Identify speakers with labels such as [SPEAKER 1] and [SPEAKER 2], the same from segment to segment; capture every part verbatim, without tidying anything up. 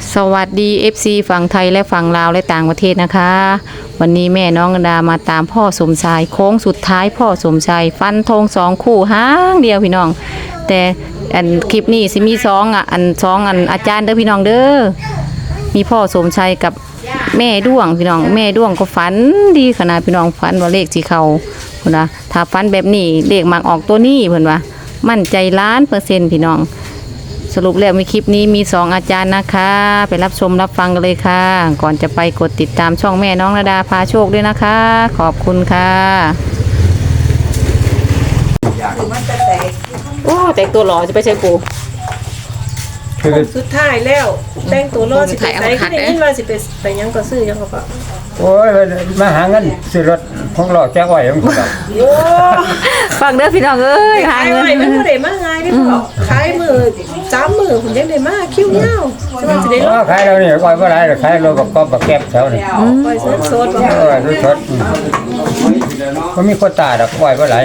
[SPEAKER 1] สวัสดี เอฟ ซี ฝั่งไทยและฝั่งลาวและต่างประเทศนะคะ วันนี้แม่น้องดามาตามพ่อสมชายโค้งสุดท้ายพ่อสมชายฟันธงสองคู่ห้างเดียวพี่น้องแต่อันคลิปนี้สิมีสองอ่ะอันสองอันอาจารย์เด้อพี่น้องเด้อมีพ่อสมชัยกับแม่ด้วงพี่น้องแม่ด้วงก็ฝันดีขนาดพี่น้องฝันว่าเลขสีเขาเพิ่นว่าถ้าฝันแบบนี้เลขมักออกตัวนี้เพิ่นว่ามั่นใจล้านเปอร์เซ็นต์พี่น้องสรุปแล้วมีคลิปนี้มีสองอาจารย์นะคะไปรับชมรับฟังกันเลยค่ะก่อนจะไปกดติดตามช่องแม่น้องระดาพาโชคด้วยนะคะขอบคุณค่ะโอ้แต่งตัวหล่อจะไปใช้ปู
[SPEAKER 2] ผมสุดท้ายแล้วแต่งตัวรอสิไปใส่ที่นี่ว่าสิไปไปยังก็ซื้อยังก็ก็
[SPEAKER 3] โอ้ยมาหาเงินซื้อรถของหล่อแจ้ไว้ยังบ่
[SPEAKER 2] โอ้
[SPEAKER 1] ฟังเด้อพี่น้องเอ้ยหาเงิน
[SPEAKER 2] มันบ่ได้มาง่ายเด้พ่อขายมื้อสามมื้อผมยังได้มาคิวยาวใช่ว่าสิได้รถ
[SPEAKER 3] ขายแล้วนี่ปล่อยบ่ได้ขายรถกับก๊อบกับแก๊บแถวนี่
[SPEAKER 2] ปล่อยสดๆบ่
[SPEAKER 3] เออสดก็มีคนตาดอกปล่อยบ่หลาย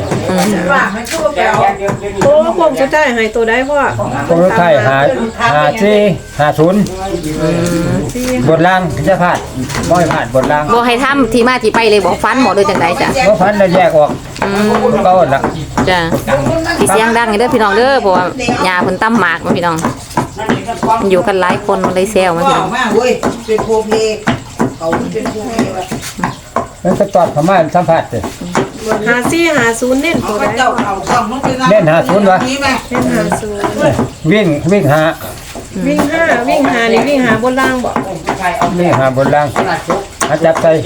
[SPEAKER 2] โอ้ผมสุดท้ายให้ตัวได้พ่อ
[SPEAKER 3] ผมสุดท้ายหาหาสี่หาศูนย์บนล่างจะพลาดบ่ให้พลาดบนล่าง
[SPEAKER 1] บ่ให้ทำที่มาที่ไปเลยบอกฟันหมอโดยจังไดจ้ะ
[SPEAKER 3] บ่ฟันแล้วแยกออกก็อ่อนละ
[SPEAKER 1] จ้ะเสียงดังเด้อพี่น้องเด้อเพราะว่าหญ้าเพิ่นตำหมากมาพี่น้องอยู่กันหลายคนมันเลยแซวมาพี่น้อง
[SPEAKER 4] เว้ยเป็นโพเพเขาเป็นโพเพ
[SPEAKER 3] มันก็ตอบเข้ามาสัมภาษณ์สิ
[SPEAKER 2] หาสี่หาศูนย์เน้นตัวได้
[SPEAKER 3] เล่นหาศูนย์วะ
[SPEAKER 2] เน้นหาศูนย์
[SPEAKER 3] วิ่งวิ่งหา
[SPEAKER 2] วิ่งห้าวิ่งหานี่วิ่งหาบนล่างบ่
[SPEAKER 3] วิ่งหาบนล่างอาจับใส่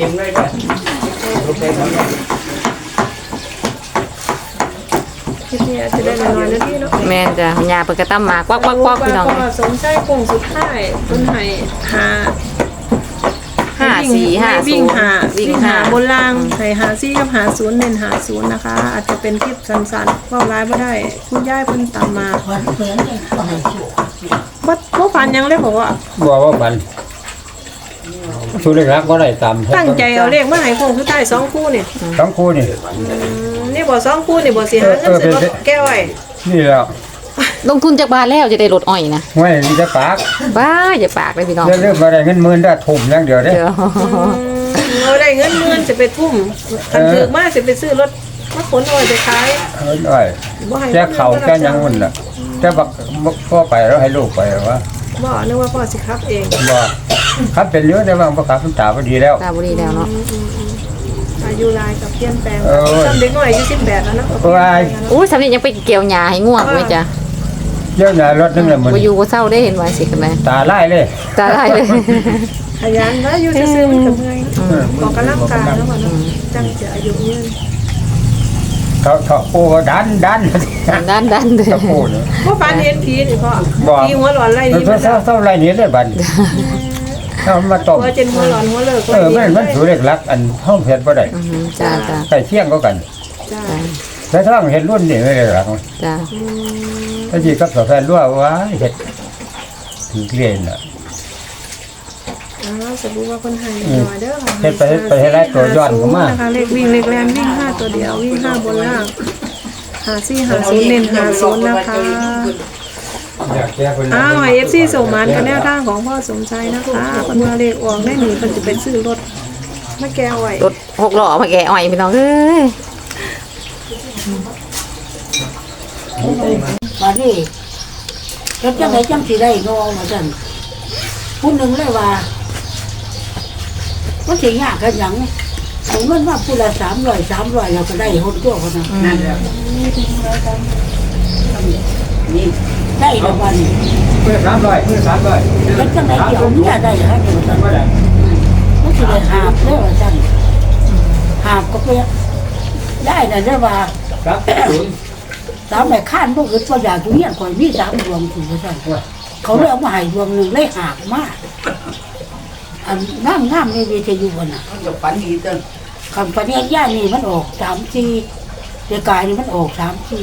[SPEAKER 2] ที่นี่จะได้น้อยๆนะพี่เนาะ
[SPEAKER 1] แม่นจ้ะหญ้าเพิ่นก็ตำหมากกวักๆๆพี่น้อง
[SPEAKER 2] สมใจคงสุดท้ายเพิ่นให้หา
[SPEAKER 1] ห้าสี่ห้า
[SPEAKER 2] วิ่งหาวิ่งหาบนล่างให้หาสี่กับหาศูนย์เน้นหาศูนย์นะคะอาจจะเป็นคลิปสั้นๆเว้าหลายบ่ได้คุณยายเพิ่นตามมาบ่บ่ฝันยังเลยบอกว่า
[SPEAKER 3] บ่ว่าฝันชูเลขรักบ่ได้ตาม
[SPEAKER 2] ตั้งใจเอาเลขมาให้คงสุดท้ายสองคู่นี่
[SPEAKER 3] สองคู่นี่
[SPEAKER 2] นี่บ่สองคู่นี่บ่สิหาเงินซื้อรถแก้วไว้
[SPEAKER 3] นี่แล้ว
[SPEAKER 1] ลงทุนจากบาทแล้วจะได้รถอ้อยนะ
[SPEAKER 3] ไม่จะปาก
[SPEAKER 1] บ้าอย่าปากเลยพี่น้อง
[SPEAKER 3] จะเริ่มอะไรเงินหมื่นได้ทุ่มอย่างเดียวเด้
[SPEAKER 2] เอาได้เงินหมื่นจะไปทุ่มคันถือมาสิไปซื้อรถมาขนอ้อยไปขาย
[SPEAKER 3] เอออ้อยแค่เขาแค่ยังมันล่ะแต่บักพ่อไปแล้วให้ลูกไปวะ
[SPEAKER 2] บ่นึกว่าพ่อสิครับเอง
[SPEAKER 3] บ่ครับเป็นเยอะแต่ว่าบ่ครับตาบ่ดีแล้ว
[SPEAKER 1] ตาบ่ดีแล้วเนาะ
[SPEAKER 2] อายุรายกับเปลี่ยนแปลงจำเด็กน้อยอายุสิบแปดแล้วนะ
[SPEAKER 1] อู้สำนี้ยังไปเกี่ยวหญ้าให้ง่วงไว้จ้ะ
[SPEAKER 3] เยอะหน่ารถนึงแหละมัน
[SPEAKER 1] บ่อยู่บ่เศร้าได้เห็นว่าสิกันแม่
[SPEAKER 3] ตาลายเลย
[SPEAKER 1] ตาลายเลย
[SPEAKER 2] ขยันนะอยู่ซื่อๆมันก็เมื่อยออกกำลังกายแล้วมันจังจะอายุยืน
[SPEAKER 3] เขาเขาโอ้ดันดัน
[SPEAKER 1] ดันดันเลย
[SPEAKER 3] โอ้เนี่ย
[SPEAKER 2] พ่อปานเห็นผีนี่พ่อผีหัวหลอนไรนี่
[SPEAKER 3] มันเศร้าเศร้าไรนี่เลยบัดเขามาต้ม
[SPEAKER 2] หัวเจนหัวหลอนหัวเลิก
[SPEAKER 3] เออมันมันสูเล็กลักอันห้องเพชรบ่ได้
[SPEAKER 1] จ้าจ้า
[SPEAKER 3] ใส่เที่ยงก็กัน
[SPEAKER 2] จ้า
[SPEAKER 3] แล้วถ้าเห็นรุ่นนี่ไม่ได้หรอก
[SPEAKER 1] จ้า
[SPEAKER 3] ถ้าจีกับแฟนรั่วว่าเห็ดถึงเรียนอ่ะ
[SPEAKER 2] อ๋อสมมุติว่าคนไทยหน่อยเด้อ
[SPEAKER 3] เฮ็ดไปเฮ็ดไปให้ได้ตัวย้อนเข้ามา
[SPEAKER 2] นะคะเลขวิ่งเลขแลนวิ่งห้าตัวเดียววิ่งห้าบนล่างหาซี่หาศูนย์เน้นหาศูนย์นะคะอ้าวเอฟซีส่งมันกันแนวทางของพ่อสมชัยนะคะคนมาเลขออกได้หนีมันจะเป็นซื้อรถมาแก้ไว้
[SPEAKER 1] รถหกล้อมาแก้อ้อยพี่น้องเอ้ย
[SPEAKER 4] มาดิแล้วจังไดจังสิได้งอมาจังผู้หนึ่งเลยว่ามันสิยากกันหยังเอาเงินมาผู้ละสามร้อยสามร้อยเราก็ได้คนตัวคนนั้นนั่นแหละนี่ได้ละวัน
[SPEAKER 3] เพื่อสามร้อยเพื่อสามร้อย
[SPEAKER 4] แล้วจังไดเดี๋ยวนี้ได้ฮะเดี๋ยวจังมันสิได้หาบเลยว่าจังหาบก็ไปได้แต่ได้ว่า
[SPEAKER 3] ครับ
[SPEAKER 4] สามแม่ข้านพวกอื่นตัวอย่างทุเรียนก่อนมีสามดวงถึงจะใช่เขาเลยเอามาให้ดวงหนึ่งเลยหักมากอันน้ำน้ำในวิทยุน่ะจะฝันดีจังคำฝันย่าย่านี่มันออกสามสี่เด็กกายนี่มันออกสามสี่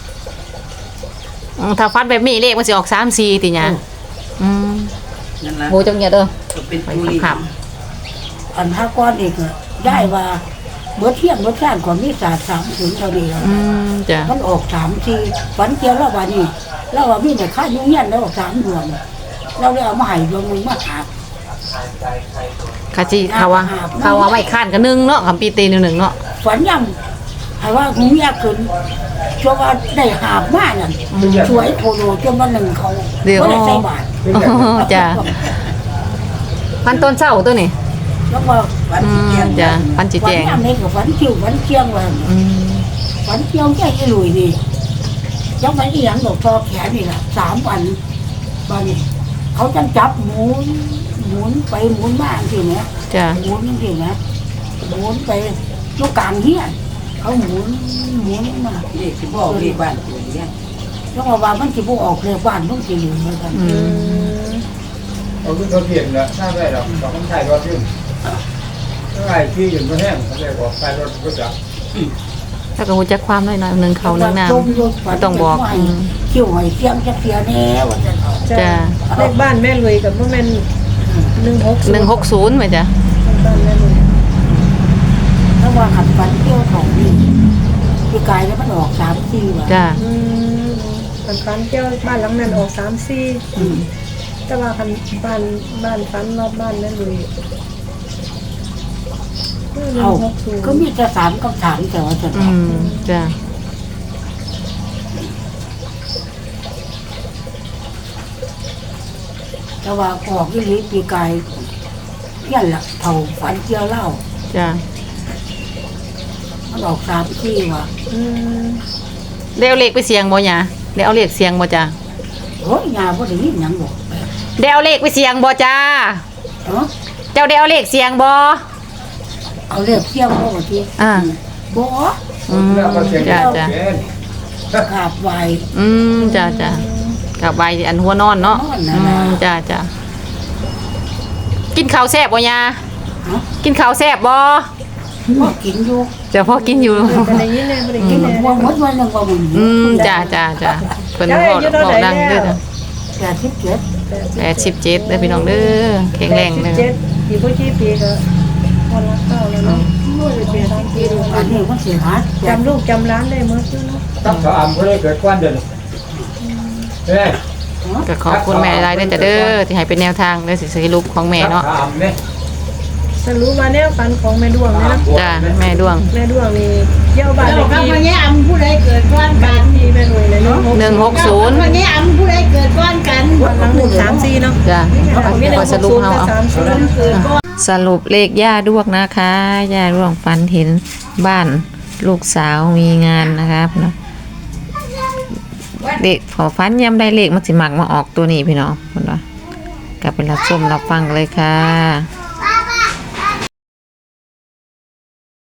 [SPEAKER 1] ถ้าฟันแบบนี้เลขมันจะออกสามสี่ติเนี่ยอืมโหจังเงี้ยเด้อครับ
[SPEAKER 4] อันห้าก้อนอีกได้ว่าเมื่อเที่ยงเมื่อช่างของมิสาสามถึงเท่านี้แล้วมันออกสามทีฝันเกี่ยวแล้ววันนี้แล้วว่ามีแต่ข้ายุ่งยันแล้วออกสามดวงเราเลยเอามาให้ดวงหนึงมาหา
[SPEAKER 1] คาจิเขาว่าเขาว่าไม่ค้านกันหนึงเนาะคำปีตีหนึ่งหนึ่งเนาะ
[SPEAKER 4] ฝันยังให้ว่าหูยากขึ้นช่วงว่าได้หาบมานั่นสวยโทโลจนวันหนึ่งเขา
[SPEAKER 1] เดี๋ยว
[SPEAKER 4] บ่ได้ใส่บาท
[SPEAKER 1] อ๋อจ้ะพันต้นเศร้าตัวนี่
[SPEAKER 4] แล้วก็ฝัน
[SPEAKER 1] อื
[SPEAKER 4] สิ
[SPEAKER 1] ม
[SPEAKER 4] เจียง
[SPEAKER 1] จ้ะพันจี
[SPEAKER 4] ฝั
[SPEAKER 1] แจ
[SPEAKER 4] น
[SPEAKER 1] ง
[SPEAKER 4] ยังนี่ก็ฝันคิวฝันเชียงว่า
[SPEAKER 1] อืม
[SPEAKER 4] ฝันเชียงแค่ยี่หลุยนี่ยังฝันอีหยังดอกทอแขนนี่ล่ะสามวันบัดนี้เขาจังจับหมุนหมุนไปหมุนมาจังซี่นะ
[SPEAKER 1] จ้ะ
[SPEAKER 4] หมุนจังซี่นะหมุนไปลูกกลางเฮียนเขาหมุนหมุนมา
[SPEAKER 5] นี่สิบอกเลขบ้านตัวเนี่ย
[SPEAKER 4] แล้วว่ามันสิบ่ออกเลยบ้านต้องสิอยู่เหมือนกัน
[SPEAKER 1] อืม
[SPEAKER 3] เอาขึ้นเขาเปลี่ยนแล้วถ้าได้หรอกสองคนไทยก็ขึ้นถ้าไอ้ที่อยู่ก็แห้งเขาจะบอกใส่รถก็จับ
[SPEAKER 1] แล้วก็หูจักความหน่อยๆหนึ่งเขาหนึ่งน้ำไม่ต้องบอกอืม
[SPEAKER 4] คิวให้เสียงจะเสียแน่ว่าจะเอา
[SPEAKER 1] จ้ะ
[SPEAKER 2] เลขบ้านแม่ลุยกับพ่อแม่นหนึ่งหก
[SPEAKER 1] หนึ่งหกศูนย์ไหมจ้ะ
[SPEAKER 2] บ้านแม่ลุย
[SPEAKER 4] ถ้าว่าขัดฟันเที่ยวของนี่พี่กายแล้วมันออกสามสี่ว่ะ
[SPEAKER 1] จ้ะ
[SPEAKER 2] อืมคันฟันเที่ยวบ้านหลังนั้นออกสามสี่แต่ว่าคันบ้านบ้านฟันรอบบ้านแม่ลุยหนึ่
[SPEAKER 4] เอา
[SPEAKER 2] งหกศูนย์
[SPEAKER 4] ก็มีแต่สามกับสามแต่ว่าจะ
[SPEAKER 1] อืมจ้ะ
[SPEAKER 4] แต่ว่าออกที่นี้พี่กายยันละเท่าฟันเที่ยวเล่า
[SPEAKER 1] จ้ะ
[SPEAKER 4] มันออกสามสี่ว่ะ
[SPEAKER 2] อืม
[SPEAKER 1] ได้เอาเลขไปเสียงบ่เนี่ยได้เอาเลขเสียงบ่จ้ะ
[SPEAKER 4] โอ้ยงานพอดีหยังบอก
[SPEAKER 1] ได้เอาเลขไปเสียงบ่จ้า
[SPEAKER 4] เนาะ
[SPEAKER 1] เจ้าได้เอาเลขเสียงบ่
[SPEAKER 4] เอาเรียกเที่ยวเขาที
[SPEAKER 1] อ่า
[SPEAKER 4] บ่
[SPEAKER 1] อืมจ้ะจ้ะ
[SPEAKER 4] กราบไหว
[SPEAKER 1] อืมจ้ะจ้ะกลับไปอันหัวนอนเนาะ
[SPEAKER 4] นอนน่ะ
[SPEAKER 1] อื
[SPEAKER 4] นะ
[SPEAKER 1] มจ้ะจ้ะกินข้าวแซ่บบ่ยา
[SPEAKER 4] ฮะ
[SPEAKER 1] กินข้าวแซ่บบ่
[SPEAKER 4] พ่อกินอยู่
[SPEAKER 1] จ้ะพ่อกินอยู่
[SPEAKER 2] ไปได้ยินเลยไปได้ยินเลย
[SPEAKER 4] ว่าหมดวันหนึ่งว่ามึง
[SPEAKER 1] อืมจ้ะจ้ะจ้ะเพิ่นบอกบอกดังเด้อจ้ะ
[SPEAKER 4] แปดสิบเจ็ด
[SPEAKER 1] แปดสิบเจ็ดเด้อพี่น้องเด้อแข็งแรงเด้อ
[SPEAKER 2] เจ็ดปีพ่อชี้ปีก็วันละเก้าแล้วเนาะเปลี่ยนทางปีดู
[SPEAKER 4] อันนี้มันเสียหาย
[SPEAKER 2] จำลูกจำร้านได้เมื่อกี้เนาะ
[SPEAKER 3] ตับสามก็ได้เกิดก้อนเดินเฮ้ย
[SPEAKER 1] ก็ขอบคุณแม่หลายๆเด้อจ้ะเด้อที่ให้เป็นแนวทางเด้อสิสรุปของแม่เนาะ
[SPEAKER 3] สามเนี่ย
[SPEAKER 2] สรุปว่าแนวฟันของแม่ดวงเนี่ยนะ
[SPEAKER 1] จ้ะแม่ดวง
[SPEAKER 2] แม่ดวงนี่เยี่ยวบ้านเล
[SPEAKER 5] เรา
[SPEAKER 2] ข
[SPEAKER 5] ก็
[SPEAKER 2] ที่
[SPEAKER 5] มาแง่อำผู้ใดเกิดก้อนกัน
[SPEAKER 2] ที่แม่ลุยเลยเนาะ
[SPEAKER 1] หนึ่งหกศูนย์
[SPEAKER 5] มาแง่อำผู้ใดเกิดก้อนกัน
[SPEAKER 2] วันหลังหนึ่งสามสี่เนาะ
[SPEAKER 1] จ้ะ
[SPEAKER 2] มีหนึ่ง
[SPEAKER 1] ขอ
[SPEAKER 2] ห
[SPEAKER 1] ส
[SPEAKER 2] ก
[SPEAKER 1] รุป
[SPEAKER 2] ศูนย์
[SPEAKER 1] เฮา
[SPEAKER 2] กับ
[SPEAKER 1] เอา
[SPEAKER 2] สามศูนย์
[SPEAKER 5] เกิดก้อน
[SPEAKER 1] สรุปเลขย่าดวงนะคะย่าดวงฝันเห็นบ้านลูกสาวมีงานนะคะพี่น้องเด็กพอฝันย้ำได้เลขมันสิมักมาออกตัวนี้พี่น้องพี่น้องกลับไปรับชมรับฟังเลยค่ะ